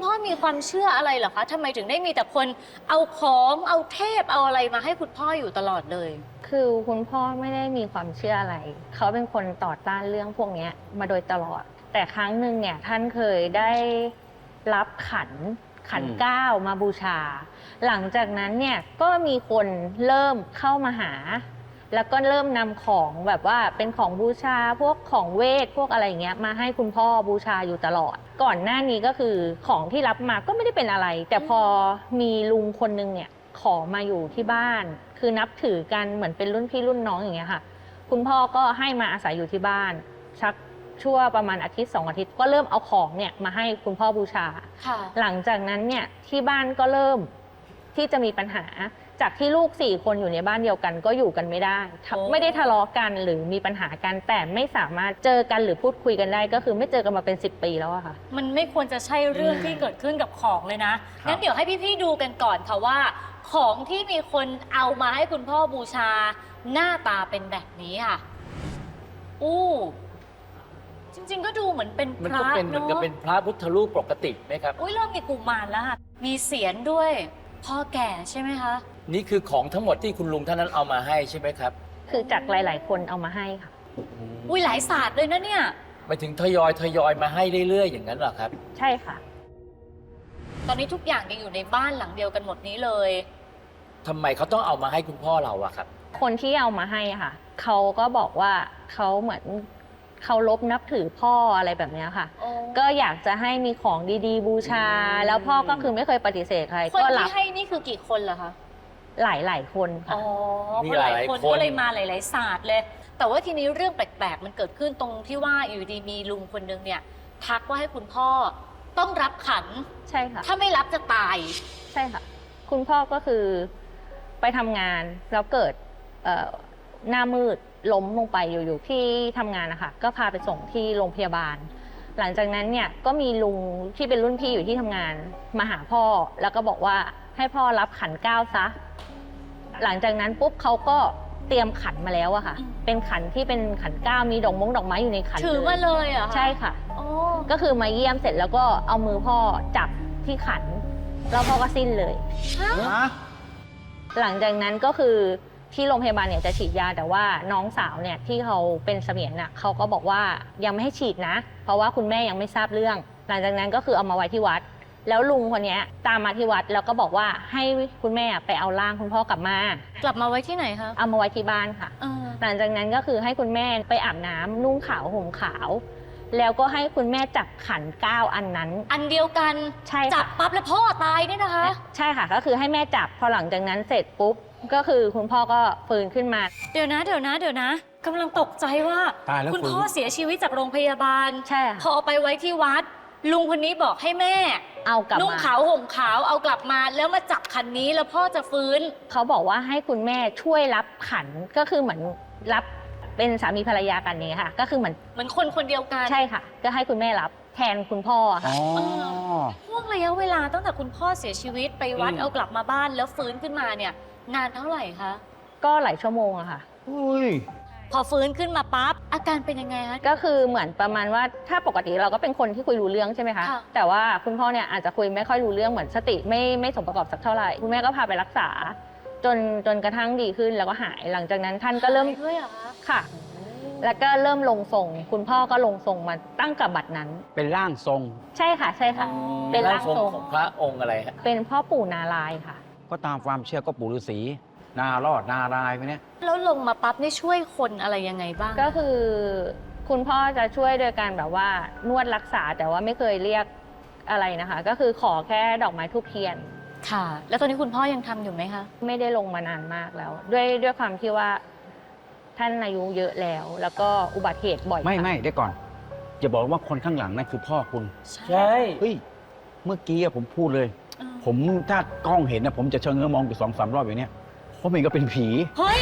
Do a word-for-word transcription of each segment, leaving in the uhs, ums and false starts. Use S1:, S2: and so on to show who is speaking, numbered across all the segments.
S1: พ่อมีความเชื่ออะไรเหรอคะทำไมถึงได้มีแต่คนเอาของเอาเทพเอาอะไรมาให้คุณพ่ออยู่ตลอดเลย
S2: คือคุณพ่อไม่ได้มีความเชื่ออะไรเขาเป็นคนต่อต้านเรื่องพวกนี้มาโดยตลอดแต่ครั้งหนึ่งเนี่ยท่านเคยได้รับขันขันเก้ามาบูชาหลังจากนั้นเนี่ยก็มีคนเริ่มเข้ามาหาแล้วก็เริ่มนำของแบบว่าเป็นของบูชาพวกของเวทพวกอะไรเงี้ยมาให้คุณพ่อบูชาอยู่ตลอดก่อนหน้านี้ก็คือของที่รับมาก็ไม่ได้เป็นอะไรแต่พอมีลุงคนนึงเนี่ยขอมาอยู่ที่บ้านคือนับถือกันเหมือนเป็นรุ่นพี่รุ่นน้องอย่างเงี้ยค่ะคุณพ่อก็ให้มาอาศัยอยู่ที่บ้านชักชั่วประมาณอาทิตย์สองอาทิตย์ก็เริ่มเอาของเนี่ยมาให้คุณพ่อบูชาหลังจากนั้นเนี่ยที่บ้านก็เริ่มที่จะมีปัญหาจากที่ลูกสี่คนอยู่ในบ้านเดียวกันก็อยู่กันไม่ได้ไม่ได้ทะเลาะกันหรือมีปัญหากันแต่ไม่สามารถเจอกันหรือพูดคุยกันได้ก็คือไม่เจอกันมาเป็นสิบปีแล้วอะค่ะ
S1: มันไม่ควรจะใช่เรื่องที่เกิดขึ้นกับของเลยนะงั้นเดี๋ยวให้พี่ๆดูกันก่อนค่ะว่าของที่มีคนเอามาให้คุณพ่อบูชาหน้าตาเป็นแบบนี้ค่ะอู้จริงๆก็ดูเหมือนเป็นพระเนาะมันก็เป็นเหมือนกับเป็นพระพุทธรูปปกติไหมครับอุ้ยเริ่มมีกุมารแล้วค่ะมีเสียรด้วยพ่อแก่ใช่ไหมคะนี่คือของทั้งหมดที่คุณลุงท่านนั้นเอามาให้ใช่ไหมครับ
S2: คือจากหลายๆคนเอามาให้ค่ะ
S1: อุ้ยหลายศาสตร์เลยนะเนี่ย
S3: ไปถึงทยอยทยอยมาให้เรื่อยๆอย่างนั้นเหรอครับ
S2: ใช่ค่ะ
S1: ตอนนี้ทุกอย่างยังอยู่ในบ้านหลังเดียวกันหมดนี้เลย
S3: ทำไมเขาต้องเอามาให้คุณพ่อเราอะครับ
S2: คนที่เอามาให้ค่ะเขาก็บอกว่าเขาเหมือนเคารพนับถือพ่ออะไรแบบนี้ค่ะก็อยากจะให้มีของดีๆบูชาแล้วพ่อก็คือไม่เคยปฏิเสธใคร
S1: คนที่ให้นี่คือกี่คนเหรอคะ
S2: หลายหลายคนค่ะ
S1: อ๋อเพราะหลายคนก็เลยมาหลายๆศาสตร์เลยแต่ว่าทีนี้เรื่องแปลกๆมันเกิดขึ้นตรงที่ว่าอยู่ดีมีลุงคนนึงเนี่ยทักว่าให้คุณพ่อต้องรับขัน
S2: ใช่ค่ะ
S1: ถ้าไม่รับจะตาย
S2: ใช่ค่ะคุณพ่อก็คือไปทำงานแล้วเกิดหน้ามืดล้มลงไปอยู่ๆที่ทำงานนะคะก็พาไปส่งที่โรงพยาบาลหลังจากนั้นเนี่ยก็มีลุงที่เป็นรุ่นพี่อยู่ที่ทำงานมาหาพ่อแล้วก็บอกว่าให้พ่อรับขันเก้าซะหลังจากนั้นปุ๊บเขาก็เตรียมขันมาแล้วอะค่ะเป็นขันที่เป็นขันเก้ามีดอกมงดอกไม้อยู่ในขัน
S1: ถือมาเลยเหรอ
S2: ใช่ค่ะก็คือมาเยี่ยมเสร็จแล้วก็เอามือพ่อจับที่ขันแล้วพ่อก็สิ้นเลยหลังจากนั้นก็คือที่โรงพยาบาลเนี่ยจะฉีดยาแต่ว่าน้องสาวเนี่ยที่เขาเป็นเสมียนน่ะเขาก็บอกว่ายังไม่ให้ฉีดนะเพราะว่าคุณแม่ยังไม่ทราบเรื่องหลังจากนั้นก็คือเอามาไว้ที่วัดแล้วลุงคนนี้ตามมาที่วัดแล้วก็บอกว่าให้คุณแม่ไปเอาร่างคุณพ่อกลับมาก
S1: ลับมาไว้ที่ไหนคะ
S2: เอามาไว้ที่บ้านค่ะหลังจากนั้นก็คือให้คุณแม่ไปอาบน้ำนุ่งขาวห่มขาวแล้วก็ให้คุณแม่จับขันเก้าอันนั้น
S1: อันเดียวกัน
S2: ใช่
S1: จับปั๊บแล้วพ่อตายเนี่ยนะคะ
S2: ใช่ค่ะก็คือให้แม่จับพอหลังจากนั้นเสร็จปุ๊บก็คือคุณพ่อก็ฟื้นขึ้นมา
S1: เดี๋ยวนะเดี๋ยวนะเดี๋ยวนะกำลังตกใจว่าคุณพ่อเสียชีวิตจากโรงพยาบาล
S2: ใช่
S1: พอเอาไปไว้ที่วัดลุงคนนี้บอกให้แม่
S2: เอากลับมา
S1: นุ่งขาวห่มขาวเอากลับมาแล้วมาจับขันนี้แล้วพ่อจะฟื้น
S2: เขาบอกว่าให้คุณแม่ช่วยรับขันก็คือเหมือนรับเป็นสามีภรรยากันนี้ค่ะก็คือเหมือน
S1: เหมือนคนคนเดียวกัน
S2: ใช่ค่ะก็ให้คุณแม่รับแทนคุณพ่อค่ะ
S1: ช่วงระยะเวลาตั้งแต่คุณพ่อเสียชีวิตไปวัดเอากลับมาบ้านแล้วฟื้นขึ้นมาเนี่ยนานเท่าไหร่คะ
S2: ก็หลายชั่วโมงอะค่ะ
S1: พอฟื้นขึ้นมาปั๊บอาการเป็นยังไงคะ
S2: ก็คือเหมือนประมาณว่าถ้าปกติเราก็เป็นคนที่คุยรู้เรื่องใช่ไหมคะแต่ว่าคุณพ่อเนี่ยอาจจะคุยไม่ค่อยรู้เรื่องเหมือนสติไม่ไม่สมประกอบสักเท่าไหร่คุณแม่ก็พาไปรักษาจนจนกระทั่งดีขึ้นแล้วก็หายหลังจากนั้นท่านก็เริ่ม
S1: ด้วยเหรอคะ
S2: ค่ะแล้วก็เริ่มลงทรงคุณพ่อก็ลงทรงมาตั้งกับบัดนั้น
S3: เป็นร่างทรง
S2: ใช่ค่ะใช่ค่ะ
S3: เป็นร่างทรงของพระองค์อะไรฮะ
S2: เป็นพ่อปู่นารายณ์ค่ะ
S4: ก็ตามความเชื่อก็ปู่ฤาษีนารอดนารายไปเนี่ย
S1: แล้วลงมาปั๊บนี่ช่วยคนอะไรยังไงบ้าง
S2: ก็คือคุณพ่อจะช่วยโดยการแบบว่านวดรักษาแต่ว่าไม่เคยเรียกอะไรนะคะก็คือขอแค่ดอกไม้ธูปเทียน
S1: ค่ะแล้วตอนนี้คุณพ่อยังทำอยู่ไหมคะ
S2: ไม่ได้ลงมานานมากแล้วด้วยด้วยความที่ว่าท่านอายุเยอะแล้วแล้วก็อุบัติเหตุบ่อย
S4: ไม่ไม่ได้ก่อนอย่าบอกว่าคนข้างหลังนั่นคือพ่อคุณ
S3: ใช่
S4: เฮ้ยเมื่อกี้ผมพูดเลยผมถ้ากล้องเห็นนะผมจะเชิงเงื้อมองอยู่สองสามรอบอย่างนี้เพราะมันก็เป็นผี
S1: เฮ้ย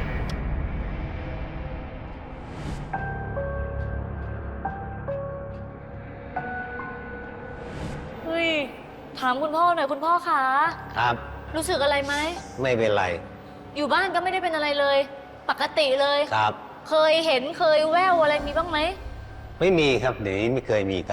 S1: เฮ้ยถามคุณพ่อหน่อยคุณพ่อคะ
S5: ครับ
S1: รู้สึกอะไรไหม
S5: ไม่เป็นไร
S1: อยู่บ้านก็ไม่ได้เป็นอะไรเลยปกติเลย
S5: ครับ
S1: เคยเห็นเคยแว่วอะไรมีบ้างไหม
S5: ไม่มีครับเดี๋ยวนี้ไม่เคยมีครับ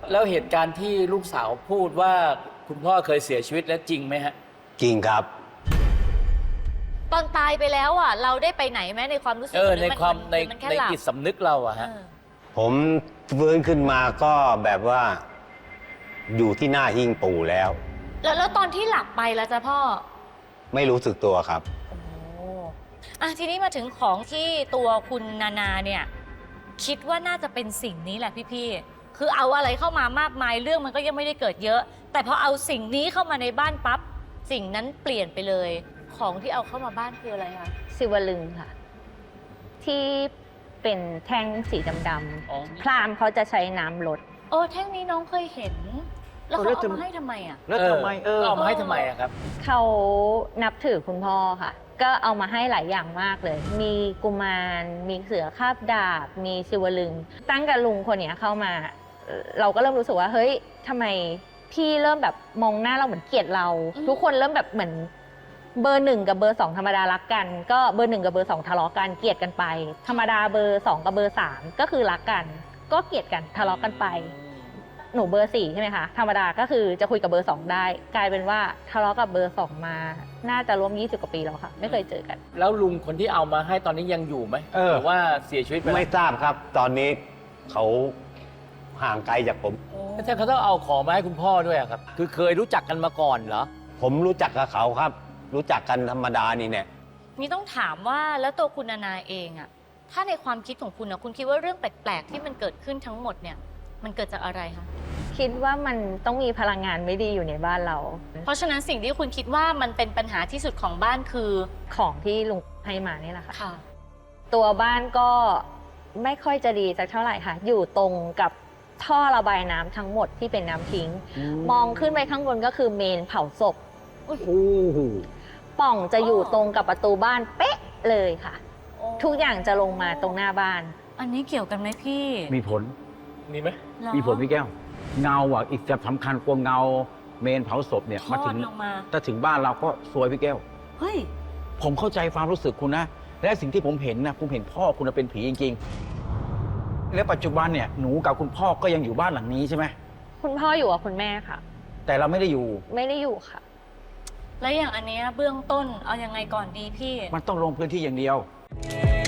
S3: แล้วเหตุการณ์ที่ลูกสาวพูดว่าคุณพ่อเคยเสียชีวิตแล้วจริงไหมฮะ
S5: จริงครับ
S1: ตอนตายไปแล้วอ่ะ เราได้ไปไหนไหมในความรู้สึก
S3: เออ
S1: หรือ
S3: ในความใน
S1: มันแค่
S3: ใน
S1: หลับ
S3: จิตสำนึกเราอะฮะ
S1: เออ
S5: ผมฟื้นขึ้นมาก็แบบว่าอยู่ที่หน้าหิ้งปู่แล้ว
S1: แล้วแล้วตอนที่หลับไปแล้วจ้ะพ่อ
S5: ไม่รู้สึกตัวครับ
S1: โอ้อ่ะทีนี้มาถึงของที่ตัวคุณนานาเนี่ย คิดว่าน่าจะเป็นสิ่งนี้แหละพี่ๆคือเอาอะไรเข้ามามากมายเรื่องมันก็ยังไม่ได้เกิดเยอะ แต่พอเอาสิ่งนี้เข้ามาในบ้านปั๊บสิ่งนั้นเปลี่ยนไปเลย ของที่เอาเข้ามาบ้านคืออะไรคะ
S2: สิวลึงค่ะ ที่เป็นแท่งสีด
S3: อ๋อ
S2: ำๆพราหมณ์เขาจะใช้น้ำลด
S1: โอ้แท่งนี้น้องเคยเห็น แล้วเขาเอามาให้ทำไมอ่ะ
S4: แล้วทำไมเออ
S3: เอามาให้ทำไมอะครับ
S2: เขานับถือคุณพ่อค่ะ ก็เอามาให้หลายอย่างมากเลย มีกุมาร มีเสือคาบดาบ มีศิวลึง ตั้งกับลุงคนเนี้ยเข้ามาเอ่อเราก็เริ่มรู้สึกว่า เฮ้ยทำไมพี่เริ่มแบบมองหน้าเราเหมือนเกลียดเรา
S1: อืม
S2: ทุกคนเริ่มแบบเหมือนเบอร์หนึ่งกับเบอร์สองธรรมดารักกัน ก็เบอร์หนึ่งกับเบอร์สองทะเลาะกัน เกลียดกันไป ธรรมดาเบอร์สองกับเบอร์สามก็คือรักกัน ก็เกลียดกันทะเลาะกันไป หนูเบอร์สี่ใช่ไหมคะ ธรรมดาก็คือจะคุยกับเบอร์สองได้ กลายเป็นว่าทะเลาะกับเบอร์สองมา น่าจะรวมยี่สิบกว่าปีแล้วค่ะ ไม่เคยเจอกัน
S3: แล้วลุงคนที่เอามาให้ตอนนี้ยังอยู่ไหม
S4: เออ
S3: หรือว่าเสียชีวิตไปแล้ว
S5: ไม่ทราบครับ ตอนนี้เขาห่างไกลจากผม
S3: แล้วถ้าเขาต้องเอาของมาให้คุณพ่อด้วยอะครับ คือเคยรู้จักกันมาก่อนเหรอ
S5: ผมรู้จักกับเขาครับ รู้จักกันธรรมดานี่เนี่ย
S1: นี่ต้องถามว่าแล้วตัวคุณนานาเองอะถ้าในความคิดของคุณนะคุณคิดว่าเรื่องแปลกๆที่มันเกิดขึ้นทั้งหมดเนี่ย มันเกิดจากอะไรคะ
S2: คิดว่ามันต้องมีพลังงานไม่ดีอยู่ในบ้านเรา
S1: เพราะฉะนั้นสิ่งที่คุณคิดว่ามันเป็นปัญหาที่สุดของบ้านคือ
S2: ของที่ลุงให้มานี่แหละค่ะ
S1: ค่ะ
S2: ตัวบ้านก็ไม่ค่อยจะดีสักเท่าไหร่ค่ะ อยู่ตรงกับท่อระบายน้ำทั้งหมดที่เป็นน้ำทิ้ง มองขึ้นไปข้างบนก็คือเมนเผาศพ
S4: โอ้โห
S2: ป่องจะอยู่ตรงกับประตูบ้านเป๊ะเลยค่ะ ทุกอย่างจะลงมาตรงหน้าบ้าน
S1: อันนี้เกี่ยวกันไหมพี่
S4: มีผล
S3: มีไหม
S1: เหรอ
S4: มีผลพี่แก้ว เงาอ่ะ อีกจะสำคัญกว่าเงาเมนเผาศพเนี่ย
S1: ท
S4: มา
S1: อ
S4: ถึ
S1: ด
S4: ง
S1: ลงมา
S4: ถ้าถึงบ้านเราก็ซวยพี่แก้ว
S1: เฮ้ย
S4: ผมเข้าใจความรู้สึกคุณนะ และสิ่งที่ผมเห็นนะผมเห็นพ่อคุณน่ะเป็นผีจริงๆ และปัจจุบันเนี่ยหนูกับคุณพ่อก็ยังอยู่บ้านหลังนี้ใช่ไหม
S2: คุณพ่ออยู่กับคุณแม่ค่ะ
S4: แต่เราไม่ได้อยู่
S2: ไม่ได้อยู่ค่ะ
S1: แล้วอย่างอันเนี้ยเบื้องต้นเอายังไงก่อนดีพี่
S4: มันต้องลงพื้นที่อย่างเดียว
S1: อ